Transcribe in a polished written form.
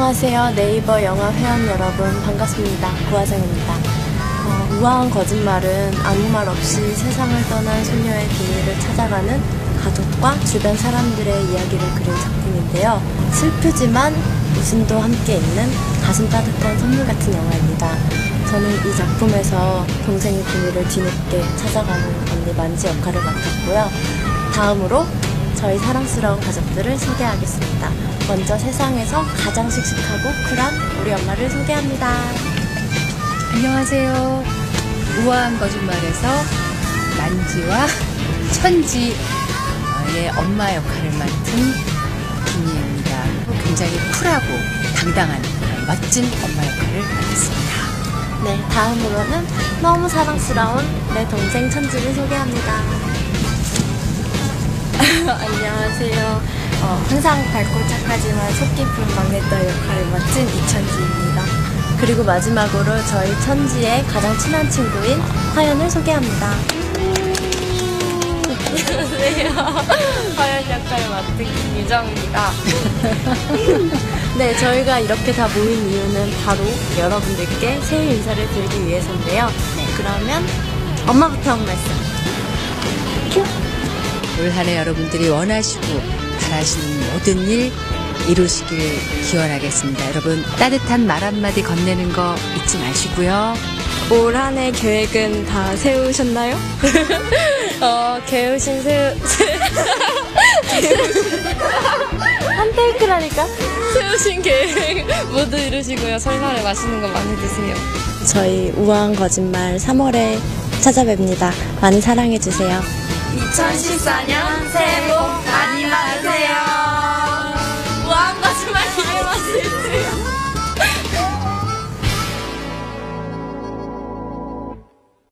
안녕하세요. 네이버 영화 회원 여러분 반갑습니다. 구하정입니다. 우아한 거짓말은 아무 말 없이 세상을 떠난 소녀의 비밀을 찾아가는 가족과 주변 사람들의 이야기를 그린 작품인데요. 슬프지만 웃음도 함께 있는 가슴 따뜻한 선물 같은 영화입니다. 저는 이 작품에서 동생의 비밀을 뒤늦게 찾아가는 언니 만지 역할을 맡았고요. 다음으로 저희 사랑스러운 가족들을 소개하겠습니다. 먼저 세상에서 가장 씩씩하고 쿨한 우리 엄마를 소개합니다. 안녕하세요. 우아한 거짓말에서 만지와 천지의 엄마 역할을 맡은 김희애입니다. 굉장히 쿨하고 당당한 멋진 엄마 역할을 맡았습니다. 네, 다음으로는 너무 사랑스러운 내 동생 천지를 소개합니다. 안녕하세요. 항상 밝고 착하지만 속 깊은 막내딸 역할을 맡은 이천지입니다. 그리고 마지막으로 저희 천지의 가장 친한 친구인 화연을 소개합니다. 안녕하세요. 화연 역할을 맡은 김유정입니다. 네, 저희가 이렇게 다 모인 이유는 바로 여러분들께 새해 인사를 드리기 위해서인데요. 네, 그러면 엄마부터 한 말씀. 큐! 올 한 해 여러분들이 원하시고 바라시는 모든 일 이루시길 기원하겠습니다. 여러분 따뜻한 말 한마디 건네는 거 잊지 마시고요. 올 한 해 계획은 다 세우셨나요? 한 테이크라니까? 세우신 계획 모두 이루시고요. 설날에 맛있는 거 많이 드세요. 저희 우아한 거짓말 3월에 찾아뵙니다. 많이 사랑해주세요. 2014년 새해 복 많이 받으세요. 우아한 거짓말 기대 많이 해주세요.